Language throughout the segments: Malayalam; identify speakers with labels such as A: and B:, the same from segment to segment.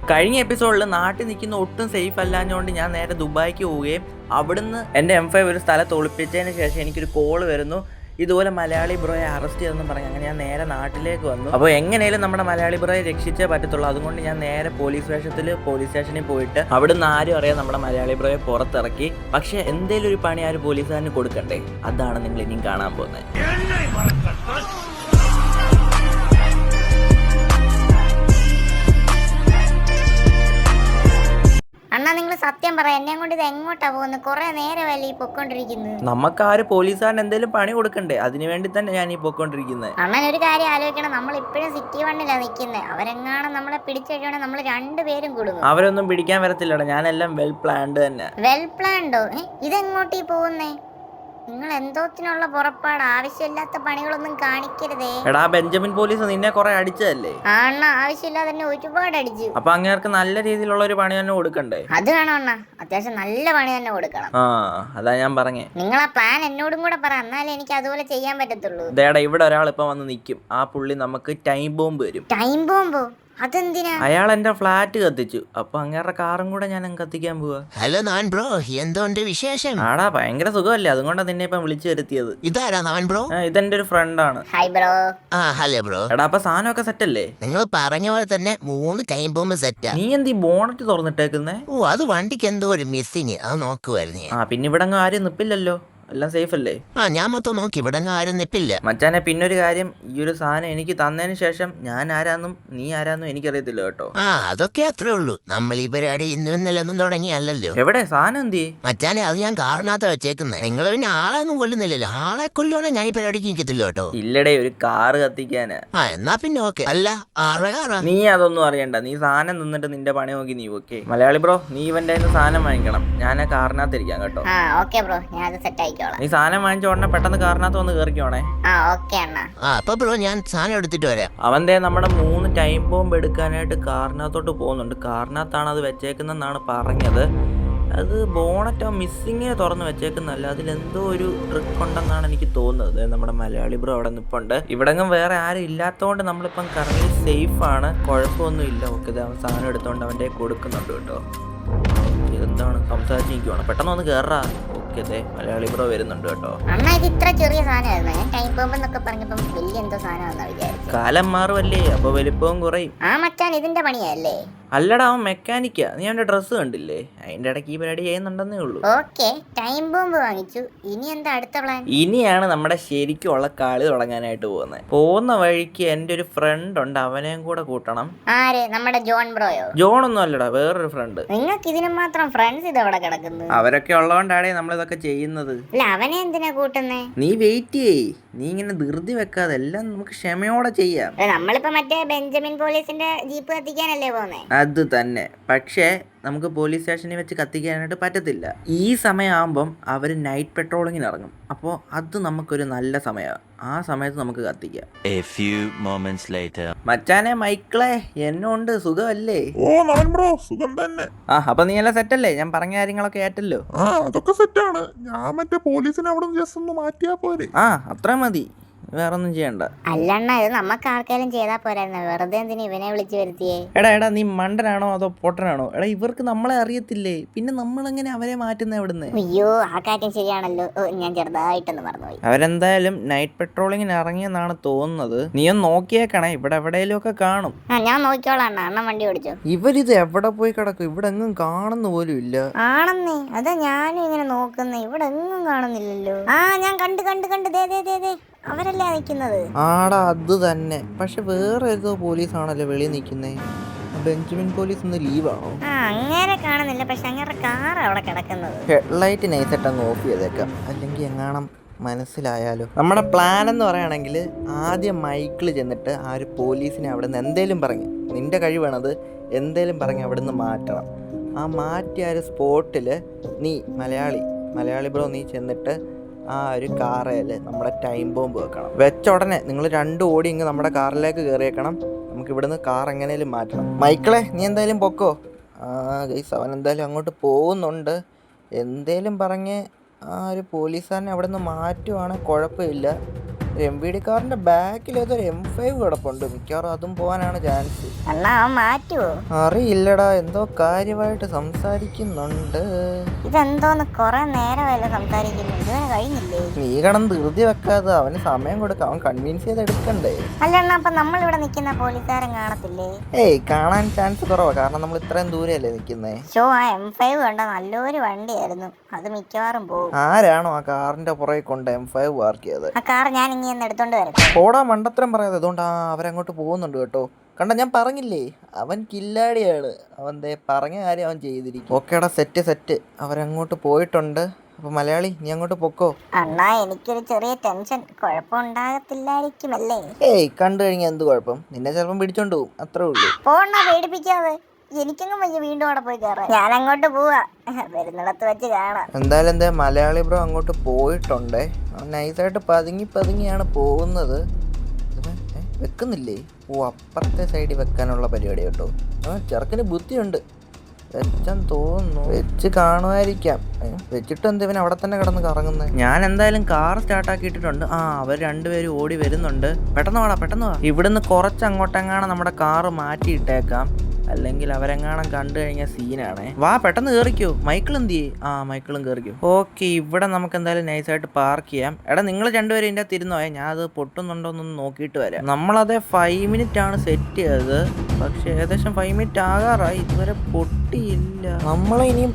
A: കഴിഞ്ഞ എപ്പിസോഡിൽ നാട്ടിൽ നിൽക്കുന്ന ഒട്ടും സേഫ് അല്ലാഞ്ഞുകൊണ്ട് ഞാൻ നേരെ ദുബായിക്ക് പോവുകയും അവിടുന്ന് എൻ്റെ M5 ഒരു സ്ഥലത്ത് ഒളിപ്പിച്ചതിന് ശേഷം എനിക്കൊരു കോൾ വരുന്നു, ഇതുപോലെ മലയാളി ബ്രോയെ അറസ്റ്റ് ചെയ്തെന്ന് പറഞ്ഞു. അങ്ങനെ ഞാൻ നേരെ നാട്ടിലേക്ക് വന്നു. അപ്പോൾ എങ്ങനെയും നമ്മുടെ മലയാളി ബ്രോയെ രക്ഷിച്ചേ പറ്റത്തുള്ളൂ. അതുകൊണ്ട് ഞാൻ നേരെ പോലീസ് സ്റ്റേഷനിൽ പോയിട്ട് അവിടുന്ന് ആരും അറിയാം നമ്മുടെ മലയാളി ബ്രോയെ പുറത്തിറക്കി. പക്ഷേ എന്തേലും ഒരു പണി ആ ഒരു പോലീസുകാരന് കൊടുക്കണ്ടേ, അതാണ് നിങ്ങൾ ഇനിയും കാണാൻ പോകുന്നത്.
B: അണ്ണാ നിങ്ങൾ സത്യം പറ, എന്നെ കൊണ്ട് ഇത് എങ്ങോട്ടാ പോകുന്നത്? കുറെ നേരമല്ലേ ഈ പൊക്കോണ്ടിരിക്കുന്നത്.
A: നമുക്ക് ആ ഒരു പോലീസുകാരൻ എന്തെങ്കിലും പണി കൊടുക്കണ്ടേ, അതിനു വേണ്ടി തന്നെ ഞാൻ ഈ പൊക്കോണ്ടിരിക്കുന്നത്.
B: അണ്ണൻ ഒരു കാര്യം ആലോചിക്കണം, നമ്മൾ ഇപ്പോഴും സിറ്റി വണ്ണിലാണ് നിൽക്കുന്നത്. അവരെങ്ങാനും നമ്മളെ പിടിച്ചുകഴിഞ്ഞാൽ നമ്മൾ രണ്ടുപേരും കൊടുക്കും.
A: അവരൊന്നും പിടിക്കാൻ വരത്തില്ലടാ, ഞാനെല്ലാം വെൽ പ്ലാൻഡ് തന്നെ.
B: വെൽ പ്ലാൻഡോ? ഇതെങ്ങോട്ടീ പോകുന്നേ? നിങ്ങൾ എന്തോത്തിനുള്ള പുറപ്പാട്? ആവശ്യമില്ലാത്ത പണികളൊന്നും കാണിക്കരുതേ.
A: എടാ ബെഞ്ചമിൻ പോലീസ് നിന്നെ കുറെ അടിച്ചതല്ലേ?
B: അണ്ണ ആവശ്യമില്ലാതെ തന്നെ ഒരുപാട് അടിച്ചു.
A: അപ്പൊ അങ്ങേർക്ക് നല്ല രീതിയിലുള്ള ഒരു പണി തന്നെ കൊടുക്കണ്ടേ?
B: അത് വേണം അണ്ണ, അത്യാവശ്യം നല്ല പണി തന്നെ കൊടുക്കണം.
A: അതാ ഞാൻ പറഞ്ഞേ.
B: നിങ്ങൾ ആ പ്ലാൻ എന്നോടും കൂടെ പറ, എന്നാലേ എനിക്ക് അതുപോലെ ചെയ്യാൻ പറ്റത്തുള്ളൂ.
A: ദേടാ ഇവിടെ ഒരാൾ ഇപ്പൊ വന്ന് നിൽക്കും, ആ പുള്ളി നമുക്ക് ടൈം ബോംബ് വരും.
B: ടൈം ബോംബോ? അതെന്തിനാ?
A: അയാൾ എന്റെ ഫ്ലാറ്റ് കത്തിച്ചു, അപ്പൊ അങ്ങേരുടെ കാറും കൂടെ ഞാൻ കത്തിക്കാൻ പോവാ.
C: ഹലോ നാൻ ബ്രോ, എന്തുണ്ട് വിശേഷം?
A: ആടാ ഭയങ്കര സുഖമല്ലേ, അതുകൊണ്ടാണ് നിന്നെ ഇപ്പം വിളിച്ചു വരുത്തിയത്.
C: ഇതാരാ നാൻ ബ്രോ?
A: ഇതെന്റെ ഒരു ഫ്രണ്ടാണ്.
B: Hi bro.
C: Hello bro.
A: എടാ അപ്പൊ സാധനമൊക്കെ സെറ്റ് അല്ലേ?
C: നിങ്ങൾ പറഞ്ഞ പോലെ തന്നെ 3 ടൈം ബോംബ് സെറ്റാ.
A: നീ എന്ത് ഈ ബോണറ്റ് തുറന്നിട്ടേക്കുന്നേ?
C: ഓ, അത് വണ്ടിക്ക് എന്തോ ഒരു മിസ്സിങ്, അത് നോക്കുവായിരുന്നു.
A: പിന്നെ ഇവിടെ ആരും നിപ്പില്ലല്ലോ, എല്ലാം സേഫ് അല്ലേ?
C: ഞാൻ മൊത്തം നോക്കി, ഇവിടെ ആരും നിപ്പില്ല.
A: മച്ചാനെ പിന്നൊരു കാര്യം, ഈ ഒരു സാധനം എനിക്ക് തന്നതിന് ശേഷം ഞാൻ ആരാന്നും നീ ആരാന്നും എനിക്കറിയത്തില്ല കേട്ടോ.
C: അതൊക്കെ അത്രേ ഉള്ളൂ. നമ്മൾ ഈ പരിപാടി ഇന്നൊന്നും തുടങ്ങിയല്ലോ.
A: എവിടെ സാധനം എന്തി?
C: മച്ചാനെ അത് ഞാൻ കാറിനകത്ത് വെച്ചേക്കുന്നത്. നിങ്ങൾ പിന്നെ ആളെയൊന്നും കൊല്ലുന്നില്ലല്ലോ. ആളെ കൊല്ലുവാണെ ഞാൻ ഈ പരിപാടിക്ക് നിൽക്കത്തില്ല കേട്ടോ.
A: ഇല്ലടേ, ഒരു കാറ് കത്തിക്കാന്.
C: എന്നാ പിന്നെ ഓക്കെ. അല്ല കാറാ?
A: നീ അതൊന്നും അറിയണ്ട, നീ സാധനം നിന്നിട്ട് നിന്റെ പണി നോക്കി നീ ഓക്കെ. മലയാളി ബ്രോ, നീ ഇവന്റെ സാധനം വാങ്ങിക്കണം, ഞാൻ ആ കാറിനകത്ത് ഇരിക്കാം കേട്ടോ.
B: ഓക്കെ ബ്രോ, ഞാൻ സെറ്റ് ആയിക്കോളാം.
A: നീ സാധനം വാങ്ങിച്ച ഉടനെ പെട്ടെന്ന് കാറിനകത്ത് വന്ന് കേറിക്കോണേ.
B: ഓക്കെ അണ്ണാ.
C: അപ്പൊ ബ്രോ ഞാൻ സാധനം എടുത്തിട്ട് വരാം.
A: അവന്റെ നമ്മുടെ 3 ടൈം ബോംബ് എടുക്കാനായിട്ട് കാറിനകത്തോട്ട് പോകുന്നുണ്ട്. കാറിനകത്താണ് അത് വെച്ചേക്കുന്നെന്നാണ് പറഞ്ഞത്. അത് ബോണറ്റ് മിസ്സിങ്ങിനെ തുറന്ന് വെച്ചേക്കുന്നല്ല, അതിലെന്തോ ഒരു ട്രിക്ക് ഉണ്ടെന്നാണ് എനിക്ക് തോന്നുന്നത്. നമ്മുടെ മലയാളി ബ്രോ അവിടെ നിൽപ്പുണ്ട്. ഇവിടെങ്ങും വേറെ ആരും ഇല്ലാത്തതുകൊണ്ട് നമ്മളിപ്പം കറങ്ങി സേഫ് ആണ്, കുഴപ്പമൊന്നും ഇല്ല. ഓക്കെ, അവൻ സാധനം എടുത്തോണ്ട് അവൻ്റെ കൊടുക്കുന്നുണ്ട് കേട്ടോ. ഇതെന്താണ് സംസാരിച്ചിരിക്കുവാണ്, പെട്ടെന്ന് ഒന്ന് കയറാ. ഓക്കെ, അതെ മലയാളി ബ്രോ വരുന്നുണ്ട് കേട്ടോ.
B: അണ്ണാ ഇത് ഇത്ര ചെറിയ സാധനമായിരുന്നു, ഞാൻ ടൈം ബോംബ് എന്നൊക്കെ പറഞ്ഞപ്പം വലിയ എന്തോ സാധനമാണെന്നാ വിചാരിച്ചു.
A: കാലം മാറുമല്ലേ, അപ്പൊ വലിപ്പവും കുറയും.
B: മച്ചാൻ ഇതിന്റെ പണിയല്ലേ?
A: അല്ലടാ, അവൻ മെക്കാനിക്കാ. നീ അവന്റെ ഡ്രസ്സ് കണ്ടില്ലേ? അതിന്റെ ഇടയ്ക്ക് ഈ പരിപാടി ചെയ്യുന്നുണ്ടെന്നേ ഉള്ളൂ.
B: ഓക്കെ, ടൈം ബോംബ് വാങ്ങിച്ചു. ഇനി എന്താ അടുത്ത പ്ലാൻ?
A: ഇനിയാണ് നമ്മുടെ ശരിക്കുള്ള കളി തുടങ്ങാനായിട്ട് പോകുന്നത്. പോകുന്ന വഴിക്ക് എൻ്റെ ഒരു ഫ്രണ്ട് ഉണ്ട്, അവനെയും കൂടെ കൂട്ടണം.
B: ആര്? നമ്മുടെ ജോൺ ബ്രോയോ?
A: ജോൺ ഒന്നും അല്ലടാ, വേറൊരു ഫ്രണ്ട്.
B: നിങ്ങൾക്ക് ഇതിന് മാത്രം ഫ്രണ്ട്സ് ഇതവിടെ കിടക്കുന്നു?
A: അവരൊക്കെ ഉള്ളതുകൊണ്ടാണ് നമ്മളിതൊക്കെ ചെയ്യുന്നത്.
B: അല്ല, അവനെ എന്തിനാ കൂട്ടുന്നേ?
A: നീ വെയിറ്റ് ചെയ്യ്, നീ ഇങ്ങനെ ധൃതി വെക്കാതെ എല്ലാം നമുക്ക് ക്ഷമയോടെ ചെയ്യാം.
B: നമ്മളിപ്പോ മറ്റേ ബെഞ്ചമിൻ പോലീസിന്റെ ജീപ്പ് കത്തിക്കാനല്ലേ പോന്നേ?
A: അത് തന്നെ. പക്ഷേ നമുക്ക് പോലീസ് സ്റ്റേഷനിൽ വെച്ച് കത്തിക്കാനായിട്ട് പറ്റത്തില്ല. ഈ സമയമാകുമ്പം അവർ നൈറ്റ് പെട്രോളിങ്ങിന് ഇറങ്ങും. അപ്പോൾ അത് നമുക്കൊരു നല്ല സമയമാണ്, ആ സമയത്ത് നമുക്ക് കത്തിക്കാം. മച്ചാനെ മൈക്കിളെ, എന്നോണ്ട് സുഖമല്ലേ?
D: ബ്രോ സുഖം തന്നെ.
A: അപ്പൊ നീ എല്ലാം സെറ്റല്ലേ? ഞാൻ പറഞ്ഞ കാര്യങ്ങളൊക്കെ ഏറ്റല്ലോ?
D: അതൊക്കെ സെറ്റാണ്. ഞാൻ മറ്റേ പോലീസിനെ അവിടെ ജസ്റ്റ് ഒന്ന് മാറ്റിയാ പോരെ?
A: അത്ര മതി, വേറൊന്നും ചെയ്യണ്ട.
B: അല്ലണ്ണ, ഇത് നമുക്ക് ആർക്കെങ്കിലും ചെയ്താ പോരായിരുന്നു, വെറുതെ എന്തിനാ ഇവനെ വിളിച്ചു വരുത്തിയേ?
A: എടാ നീ മണ്ടനാണോ അതോ പൊട്ടനാണോ? എടാ ഇവർക്ക് നമ്മളെ അറിയത്തില്ലേ, പിന്നെ നമ്മളെങ്ങനെ അവരെ മാറ്റുന്ന എവിടുന്ന്?
B: അയ്യോ, ആ കാര്യം ശരിയാണല്ലോ, ഞാൻ ചെറുതായിട്ടൊന്ന് മറന്നുപോയി.
A: അവരെന്തായാലും നൈറ്റ് പെട്രോളിങ്ങിന് ഇറങ്ങിയെന്നാണ് തോന്നുന്നത്. നീ ഒന്ന് നോക്കിയേക്കണേ, ഇവിടെ എവിടെയെങ്കിലും ഒക്കെ കാണും.
B: ഞാൻ നോക്കിക്കോളാം അണ്ണ, അണ്ണൻ വണ്ടി ഓടിച്ചോ.
A: ഇവരിത് എവിടെ പോയി കിടക്കും? ഇവിടെ എങ്ങും കാണുന്ന പോലും ഇല്ല.
B: ആണെന്നേ, അതാ ഞാനും ഇങ്ങനെ നോക്കുന്നേ, ഇവിടെ എങ്ങും കാണുന്നില്ലല്ലോ. ഞാൻ കണ്ട് ദേ അവരല്ലേ നിൽക്കുന്നത്.
A: ആടാ അത് തന്നെ. പക്ഷെ വേറെ ഏതോ പോലീസാണല്ലോ വെളിയിൽ നിൽക്കുന്നേ. ബെഞ്ചമിൻ പോലീസ് ഇന്ന് ലീവാണോ?
B: അങ്ങനെ കാണുന്നില്ല, പക്ഷെ അങ്ങനെ കാർ അവിടെ കിടക്കുന്നത്.
A: ഹെഡ്ലൈറ്റ് നൈസായിട്ട് അങ്ങ് ഓഫ് ചെയ്തേക്കാം, അല്ലെങ്കിൽ എങ്ങാണം മനസ്സിലായാലോ. നമ്മുടെ പ്ലാൻ എന്ന് പറയുകയാണെങ്കിൽ ആദ്യം മൈക്കിൾ ചെന്നിട്ട് ആ ഒരു പോലീസിനെ അവിടെ നിന്ന് എന്തേലും പറഞ്ഞ്, നിന്റെ കഴിവാണത്, എന്തേലും പറഞ്ഞ് അവിടെ നിന്ന് മാറ്റണം. ആ മാറ്റിയ ഒരു സ്പോട്ടിൽ നീ മലയാളി ബ്രോ, നീ ചെന്നിട്ട് ആ ഒരു കാറേൽ നമ്മുടെ ടൈം ബോംബ് വെക്കണം. വെച്ച ഉടനെ നിങ്ങൾ 2 ഓടി ഇങ്ങ് നമ്മുടെ കാറിലേക്ക് കയറിയേക്കണം. നമുക്ക് ഇവിടുന്ന് കാർ എങ്ങനെയും മാറ്റണം. മൈക്കിളെ, നീ എന്തായാലും പൊക്കോ. ഗൈസ്, അവൻ എന്തായാലും അങ്ങോട്ട് പോകുന്നുണ്ട്. എന്തേലും പറഞ്ഞ് ആ ഒരു പോലീസുകാരനെ അവിടെ നിന്ന് മാറ്റുവാണെങ്കിൽ കുഴപ്പമില്ല. MVD കാറിന്റെ ബാക്കിൽ ഏതൊരു M5 കിടപ്പുണ്ട്. മിക്കവാറും അതും പോകാനാണ് ചാൻസ്.
B: അണ്ണാ അവൻ മാറ്റുവോ?
A: അറിയില്ലടാ, എന്തോ കാര്യമായിട്ട് സംസാരിക്കുന്നുണ്ട്.
B: ഇതെന്തോന്ന് കൊറേ നേരമല്ല സംസാരിക്കുന്നു, ഇതുവരെ കഴിഞ്ഞില്ലേ?
A: നീ കടന്ന് ധൃതി വെക്കാതെ അവന് സമയം കൊടുക്കാം, അവൻ കൺവിൻസ് ചെയ്ത് എടുക്കണ്ടേ.
B: അല്ല അണ്ണാ, അപ്പൊ നമ്മളിവിടെ നിൽക്കുന്ന പോലീസുകാരൻ കാണത്തില്ലേ?
A: ഏയ്, കാണാൻ ചാൻസ് കുറവാ, കാരണം നമ്മൾ ഇത്രയും ദൂരെയല്ലേ നിൽക്കുന്നേ.
B: ആ M5 കണ്ട നല്ലൊരു വണ്ടിയായിരുന്നു, അത് മിക്കവാറും പോകും.
A: ആരാണോ ആ കാറിന്റെ പുറകെ കൊണ്ട് M5 പാർക്ക് ചെയ്തത്?
B: ആ കാർ ഞാൻ ഇങ്ങനെ എടുത്തോണ്ട് വരട്ടെ?
A: പോടാ, മണ്ടത്തരം പറയാതെ. അതുകൊണ്ട് അവരങ്ങോട്ട് പോകുന്നുണ്ട് കേട്ടോ. കണ്ട, ഞാൻ പറഞ്ഞില്ലേ അവൻ കില്ലാടിയാണ്. അവൻ ദേ പറഞ്ഞ കാര്യം അവൻ ചെയ്തിരിക്കും. ഓക്കേടാ, സെറ്റ്. അവരങ്ങോട്ട് പോയിട്ടുണ്ട്. അപ്പൊ മലയാളി, നീ അങ്ങോട്ട് പൊക്കോ.
B: അണ്ണാ, എനിക്കൊരു ചെറിയ ടെൻഷൻ. കുഴപ്പമുണ്ടാകത്തില്ലായിരിക്കുമല്ലേ?
A: ഏയ്, കണ്ടു കഴിഞ്ഞാൽ എന്ത് കുഴപ്പം? നിന്നെ ചിലപ്പം പിടിച്ചോണ്ട് പോകും, അത്രേ ഉള്ളൂ.
B: പോണ്ണ, പേടിപ്പിക്കാതെ. എനിക്കെങ്ങും വയ്യ വീണ്ടും അവിടെ പോയി കയറാൻ. ഞാൻ അങ്ങോട്ട് പോവാ, വരുന്നിടത്ത് വെച്ച് കാണാം.
A: എന്തായാലും എന്താ മലയാളി ബ്രോ അങ്ങോട്ട് പോയിട്ടുണ്ടേ. അവൻ നൈസായിട്ട് പതുങ്ങിയാണ് പോകുന്നത്. വെക്കുന്നില്ലേ? അപ്പുറത്തെ സൈഡിൽ വെക്കാനുള്ള പരിപാടി കേട്ടോ. ചെറുക്കിന് ബുദ്ധിയുണ്ട്. വെച്ചെന്ന് തോന്നുന്നു, വെച്ച് കാണുമായിരിക്കാം. വെച്ചിട്ട് എന്താ ഇവൻ അവിടെ തന്നെ കിടന്ന് കറങ്ങുന്നത്? ഞാൻ എന്തായാലും കാർ സ്റ്റാർട്ടാക്കിയിട്ടുണ്ട്. അവർ രണ്ടുപേരും ഓടി വരുന്നുണ്ട്. പെട്ടെന്ന് വാ. ഇവിടുന്ന് കുറച്ച് അങ്ങോട്ടെങ്ങാണ് നമ്മുടെ കാറ് മാറ്റിയിട്ടേക്കാം, അല്ലെങ്കിൽ അവരെങ്ങാണം കണ്ടു കഴിഞ്ഞാൽ സീനാണേ. വാ, പെട്ടെന്ന് കയറിക്കോ. മൈക്കിൾ എന്ത് ചെയ്യേ? മൈക്കിളും കയറിക്കോ. ഓക്കെ, ഇവിടെ നമുക്ക് എന്തായാലും നൈസായിട്ട് പാർക്ക് ചെയ്യാം. എടാ, നിങ്ങൾ രണ്ടുപേരും ഇതിൻ്റെ അകത്ത് ഇരുന്നോയെ, ഞാൻ അത് പൊട്ടുന്നുണ്ടോന്നൊന്ന് നോക്കിയിട്ട് വരാം. നമ്മളതേ 5 മിനിറ്റ് ആണ് സെറ്റ് ചെയ്തത്, പക്ഷെ ഏകദേശം 5 മിനിറ്റ് ആകാറായി, ഇതുവരെ പൊട്ടിയില്ല. നമ്മളിനിയും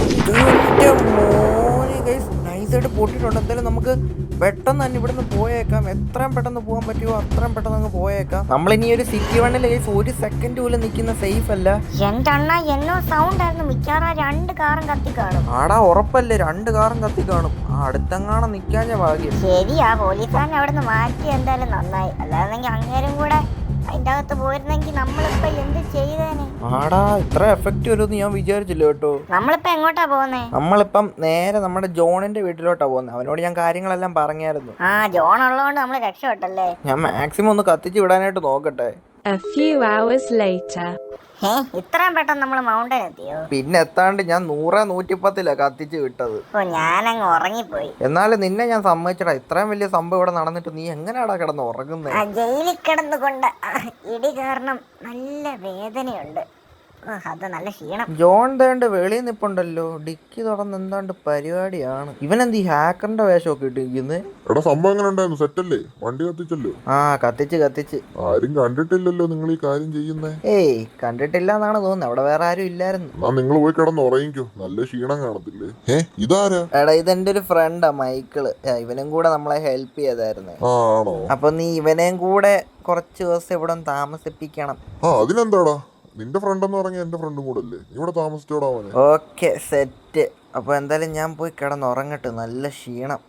A: നൈസായിട്ട് പൊട്ടിയിട്ടുണ്ട്. എന്തായാലും നമുക്ക് പെട്ടെന്ന് തന്നെ ഇവിടുന്ന് പോയേക്കാം. എത്രയും പെട്ടെന്ന് പോകാൻ പറ്റുമോ അത്രയും പെട്ടെന്ന് അങ്ങ് പോയേക്കാം. നമ്മളിനി ഒരു സിറ്റി വണ്ണിൽ ഒരു സെക്കൻഡ് പോലും നിൽക്കുന്ന സേഫ് അല്ല.
B: എന്റെ അണ്ണ, എന്നോ സൗണ്ട് ആയിരുന്നു. മിക്കവാറും 2 കാറും കത്തി കാണും.
A: ആടാ, ഉറപ്പല്ലേ 2 കാറും കത്തി കാണും. അടുത്തെങ്ങാണം നിൽക്കാഞ്ഞ ഭാഗ്യം.
B: ശരിയാ, പോലീസുകാരനെ അവിടെ നിന്ന് മാറ്റി എന്തായാലും നന്നായി. അല്ലാതെങ്കിൽ അങ്ങേരും കൂടെ അതിന്റെ അകത്ത് പോയിരുന്നെങ്കിൽ നമ്മളിപ്പോ എന്ത് ചെയ്തേനെ?
A: ആടാ, ഇത്ര എഫക്റ്റ് വരുമെന്ന് ഞാൻ വിചാരിച്ചില്ല കേട്ടോ.
B: നമ്മളിപ്പോ എങ്ങോട്ടാ പോകുന്നേ?
A: നമ്മളിപ്പം നേരെ നമ്മുടെ ജോണിന്റെ വീട്ടിലോട്ടാ പോകുന്നത്. അവനോട് ഞാൻ കാര്യങ്ങളെല്ലാം പറഞ്ഞായിരുന്നു.
B: ജോൺ ഉള്ളതുകൊണ്ട് നമ്മള് രക്ഷപ്പെട്ടല്ലേ.
A: ഞാൻ മാക്സിമം ഒന്ന് കത്തിച്ച് വിടാനായിട്ട് നോക്കട്ടെ.
E: A few hours later.
B: ഇത്രയും പെട്ടെന്ന് നമ്മള് മൗണ്ടൻ എത്തിയോ?
A: പിന്നെ എത്താണ്ട് ഞാൻ 100-110 കത്തിച്ച് വിട്ടത്.
B: ഞാനങ്ങ് ഉറങ്ങിപ്പോയി.
A: എന്നാലും നിന്നെ ഞാൻ സമ്മതിച്ചടാ. ഇത്രയും വലിയ സംഭവം ഇവിടെ നടന്നിട്ട് നീ എങ്ങനെയാടാ കിടന്ന് ഉറങ്ങുന്നത്?
B: ജയിലിൽ കിടന്നുകൊണ്ട് ഇടി കാരണം നല്ല വേദനയുണ്ട്. അത് നല്ല ക്ഷീണം.
A: ജോൺ ദേണ്ട് വെളിയിൽ നിപ്പുണ്ടല്ലോ. ഡിക്കി തുറന്ന് എന്താണ്ട് പരിപാടിയാണ്. ഇവനെന്ത് ഈ ഹാക്കറിന്റെ വേഷമൊക്കെ ഇട്ടിരിക്കുന്നത്?
D: എടാ, സംഭവം എങ്ങനെ ഉണ്ടായിരുന്നു? സെറ്റല്ലേ? വണ്ടി കത്തിച്ചല്ലോ.
A: കത്തിച്ച്
D: ആരും കണ്ടിട്ടില്ലല്ലോ നിങ്ങൾ ഈ കാര്യം ചെയ്യുന്നേ.
A: ഏയ്, കണ്ടിട്ടില്ല എന്നാണ് തോന്നുന്നത്. അവിടെ വേറെ ആരും ഇല്ലായിരുന്നു.
D: നിങ്ങൾ പോയി കിടന്ന് ഉറങ്ങിക്കോ, നല്ല ക്ഷീണം കാണത്തില്ലേ. ഇതാരാ?
A: എടാ, ഇതെന്റെ ഒരു ഫ്രണ്ടാ, മൈക്കിള്. ഇവനും കൂടെ നമ്മളെ ഹെൽപ്പ് ചെയ്തായിരുന്നു.
D: ആണോ?
A: അപ്പൊ നീ ഇവനെയും കൂടെ കുറച്ച് ദിവസം ഇവിടെ താമസിപ്പിക്കണം.
D: അതിനെന്താടാ, നിന്റെ ഫ്രണ്ട് എന്ന് പറഞ്ഞാൽ എന്റെ ഫ്രണ്ടും കൂടെ അല്ലേ, ഇവിടെ താമസിച്ചോടാ അവനെ.
A: Okay, set. അപ്പൊ എന്തായാലും ഞാൻ പോയി കിടന്നുറങ്ങട്ടെ, നല്ല ക്ഷീണം.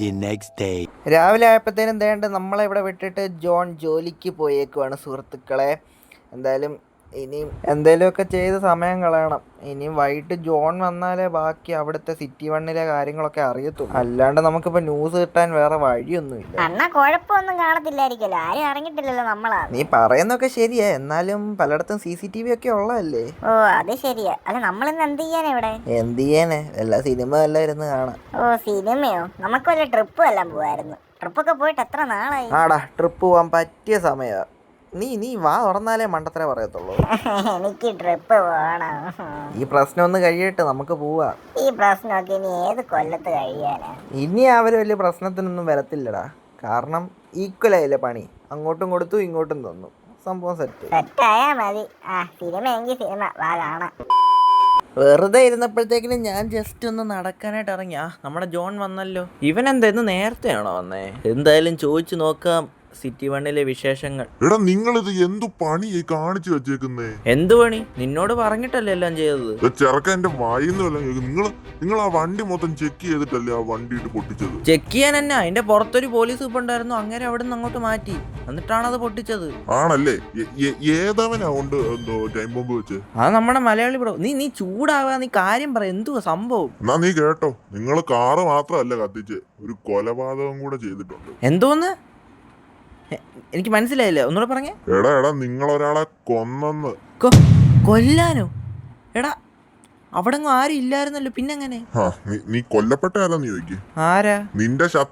A: രാവിലെ ആയപ്പോഴത്തേനും ദേണ്ട നമ്മളെ ഇവിടെ വിട്ടിട്ട് ജോൺ ജോലിക്ക് പോയേക്കുവാണ് സുഹൃത്തുക്കളെ. എന്തായാലും ഇനിയും എന്തെങ്കിലുമൊക്കെ ചെയ്ത് സമയം കളയണം. ഇനിയും വൈകിട്ട് ജോൺ വന്നാലേ ബാക്കി അവിടുത്തെ സിറ്റി വണ്ണിലെ കാര്യങ്ങളൊക്കെ അറിയത്തുള്ളൂ. അല്ലാണ്ട് നമുക്കിപ്പോ ന്യൂസ് കിട്ടാൻ വേറെ വഴിയൊന്നുമില്ല.
B: അണ്ണാ, കുഴപ്പമൊന്നും കാണത്തില്ലായിരിക്കല്ലോ, ആരും അറിഞ്ഞിട്ടില്ലല്ലോ നമ്മളാ.
A: നീ പറയുന്നൊക്കെ ശരിയാ, എന്നാലും പലയിടത്തും CCTV ഒക്കെ ഉള്ളതല്ലേ.
B: അത് ശരിയാ. അല്ല, നമ്മളിന്ന് എന്ത് ചെയ്യാനാ ഇവിടെ?
A: എന്ത് ചെയ്യാനേ, എല്ലാ സിനിമ എല്ലാം ഇരുന്ന് കാണാം.
B: സിനിമയോ? നമുക്ക് വല്ല ട്രിപ്പും എല്ലാം പോവായിരുന്നു. ട്രിപ്പൊക്കെ പോയിട്ട് എത്ര നാളായി?
A: ആടാ, ട്രിപ്പ് പോവാൻ പറ്റിയ സമയമാണ്. നീ വാ തുറന്നാലേ മണ്ടത്തരേ പറയത്തുള്ളൂ.
B: എനിക്ക് ട്രിപ്പ് പോകണം.
A: ഈ പ്രശ്നം ഒന്ന് കഴിയട്ടെ, നമുക്ക് പോവാ.
B: ഈ പ്രശ്നമൊക്കെ ഇനി ഏത് കൊല്ലത്ത് കഴിയാനാ?
A: ഇനി അവര് വലിയ പ്രശ്നത്തിനൊന്നും വരത്തില്ലടാ, കാരണം ഈക്വലായില്ലേ പണി. അങ്ങോട്ടും കൊടുത്തു ഇങ്ങോട്ടും തന്നു, സംഭവം
B: സെറ്റായാ മതി. സിനിമ എങ്കിൽ സിനിമ വാ കാണാം.
A: വെറുതെ ഇരുന്നപ്പോഴത്തേക്കിനും ഞാൻ ജസ്റ്റ് ഒന്ന് നടക്കാനായിട്ട് ഇറങ്ങിയ നമ്മുടെ ജോൺ വന്നല്ലോ. ഇവൻ എന്താ ഇന്ന് നേരത്തെയാണോ വന്നേ? എന്തായാലും ചോദിച്ചു നോക്കാം സിറ്റി വണ്ണിലെ വിശേഷങ്ങൾ.
D: എടാ, നിങ്ങളിത് എന്തു പണിയെ കാണിച്ചു വെച്ചേക്കുന്നേ?
A: എന്ത് പണി? നിന്നോട് പറഞ്ഞിട്ടല്ലേ എല്ലാം ചെയ്തത്.
D: ചെറുക്ക എന്റെ വായിന്നല്ല. നിങ്ങൾ ആ വണ്ടി മൊത്തം ചെക്ക് ചെയ്തിട്ടല്ലേ ആ വണ്ടി ഇട്ട് പൊട്ടിച്ചത്?
A: ചെക്ക് ചെയ്യാൻ തന്നെ അതിന്റെ പുറത്തൊരു പോലീസ് ഇപ്പൊ ഉണ്ടായിരുന്നു. അങ്ങനെ അവിടെ നിന്ന് അങ്ങോട്ട് മാറ്റി, എന്നിട്ടാണ് അത് പൊട്ടിച്ചത്.
D: ആണല്ലേ? ഏതവനാ കൊണ്ട് എന്തോ ടൈം ബോംബ് വെച്ച്?
A: അത് നമ്മുടെ മലയാളി ബ്രോ. നീ ചൂടാവാ, നീ കാര്യം പറ, എന്തുവാ സംഭവം?
D: എന്നാ നീ കേട്ടോ, നിങ്ങൾ കാറ് മാത്രമല്ല കത്തിച്ച്, ഒരു കൊലപാതകം കൂടെ ചെയ്തിട്ടുണ്ട്.
A: എന്തോന്ന്? എനിക്ക് മനസ്സിലായില്ല, ഒന്നുകൂടെ പറഞ്ഞേ.
D: എടാ, നിങ്ങളൊരാളെ കൊന്നെന്ന്.
A: കൊല്ലാനോ? എടാ, അവിടെ ആരും ഇല്ലായിരുന്നല്ലോ, പിന്നെങ്ങനെ?
D: നീ കൊല്ലപ്പെട്ട ആരാന്ന് ചോദിക്ക്.
A: ആരാ?
D: നിന്റെ ശത്രു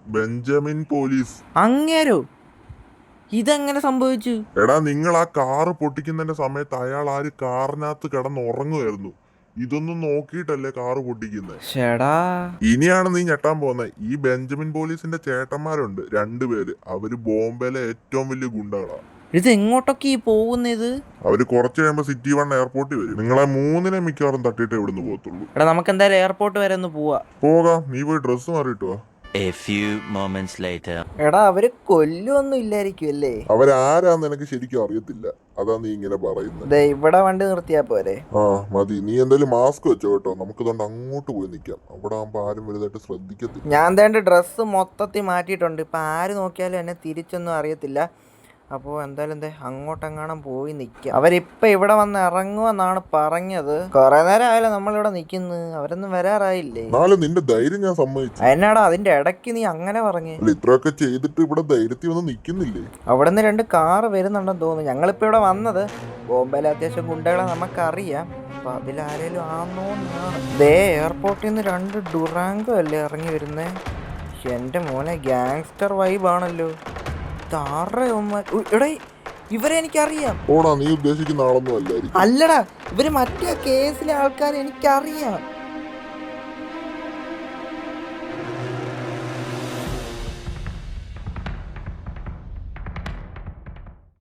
D: ബെഞ്ചമിൻ പോലീസ്.
A: അങ്ങേരോ? ഇതെങ്ങനെ സംഭവിച്ചു?
D: എടാ, നിങ്ങൾ ആ കാറ് പൊട്ടിക്കുന്നതിന്റെ സമയത്ത് അയാൾ ആര് കാറിനകത്ത് കിടന്നുറങ്ങുമായിരുന്നു. ഇതൊന്നും നോക്കിയിട്ടല്ലേ കാറ് പൊട്ടിക്കുന്നത്.
A: ചേടാ,
D: ഇനിയാണ് നീ ഞെട്ടാൻ പോകുന്നത്. ഈ ബെഞ്ചമിൻ പോലീസിന്റെ ചേട്ടന്മാരുണ്ട് 2 പേര്. അവര് ബോംബെയിലെ ഏറ്റവും വലിയ ഗുണ്ടകളാ.
A: ഇത് എങ്ങോട്ടൊക്കെ ഈ പോകുന്നത്?
D: അവര് കുറച്ച് കഴിയുമ്പോ സിറ്റി 1 എയർപോർട്ടിൽ വരും. നിങ്ങളെ 3 മിക്കവാറും തട്ടിയിട്ട് ഇവിടുന്ന് പോകത്തുള്ളൂ.
A: എടാ, നമുക്ക് എന്തായാലും എയർപോർട്ട് വരെ ഒന്ന് പോവാ.
D: പോകാം, നീ പോയി ഡ്രസ്സ് മാറിയിട്ട് വാ.
F: A few moments later.
A: എടാ, അവര് കൊല്ലൊന്നും ഇല്ലായിരിക്കും അല്ലേ?
D: അവരാരാന്ന് എനിക്ക് ശരിക്കും അറിയത്തില്ല. അതാ നീ ഇങ്ങനെ പറയുന്നത്.
A: ഇവിടെ വണ്ടി നിർത്തിയാ പോരെ?
D: ആ മതി. നീ എന്തായാലും മാസ്ക് വെച്ചോ കേട്ടോ. നമുക്കിതുകൊണ്ട് അങ്ങോട്ട് പോയി നിൽക്കാം. അവിടെ ആകുമ്പോ ആരും വലുതായിട്ട് ശ്രദ്ധിക്കത്തില്ല.
A: ഞാൻ എന്താണ്ട് ഡ്രസ്സ് മൊത്തത്തിൽ മാറ്റിയിട്ടുണ്ട്. ഇപ്പം ആര് നോക്കിയാലും എന്നെ തിരിച്ചൊന്നും അറിയത്തില്ല. അപ്പോൾ എന്തായാലും അങ്ങോട്ടെങ്ങാനും പോയി നിൽക്കാം. അവരിപ്പം ഇവിടെ വന്ന് ഇറങ്ങുമെന്നാണ് പറഞ്ഞത്. കുറേ നേരം ആയാലും നമ്മളിവിടെ നിൽക്കുന്നു. അവരൊന്നും വരാറായില്ലേ?
D: എന്നാലും നിന്റെ ധൈര്യം ഞാൻ സമ്മതിച്ചു.
A: എന്നാടാ അതിന്റെ ഇടയ്ക്ക് നീ അങ്ങനെ പറഞ്ഞു?
D: അല്ല, ഇത്രയൊക്കെ ചെയ്തിട്ട് ഇവിടെ ധൈര്യത്തിൽ ഒന്നും നിൽക്കുന്നില്ലേ?
A: അവിടെ നിന്ന് 2 കാറ് വരുന്നുണ്ടെന്ന് തോന്നുന്നു. ഞങ്ങളിപ്പോൾ ഇവിടെ വന്നത് ബോംബെയിലെ അത്യാവശ്യം ഗുണ്ടകളെ നമുക്കറിയാം. അപ്പം അതിലാരേലും ആന്നോന്നാണ്. എയർപോർട്ടിൽ നിന്ന് 2 ഡുറാങ്കോ അല്ലേ ഇറങ്ങി വരുന്നേ? എൻ്റെ മോനെ, ഗ്യാങ്സ്റ്റർ വൈബാണല്ലോ. എടേ, ഇവരെ എനിക്കറിയാം.
D: ഓടാ, നീ ഉദ്ദേശിക്കുന്ന ആളൊന്നും അല്ലായിരിക്കും.
A: അല്ലടാ, ഇവര് മറ്റേ കേസിലെ ആൾക്കാരെ എനിക്കറിയാം.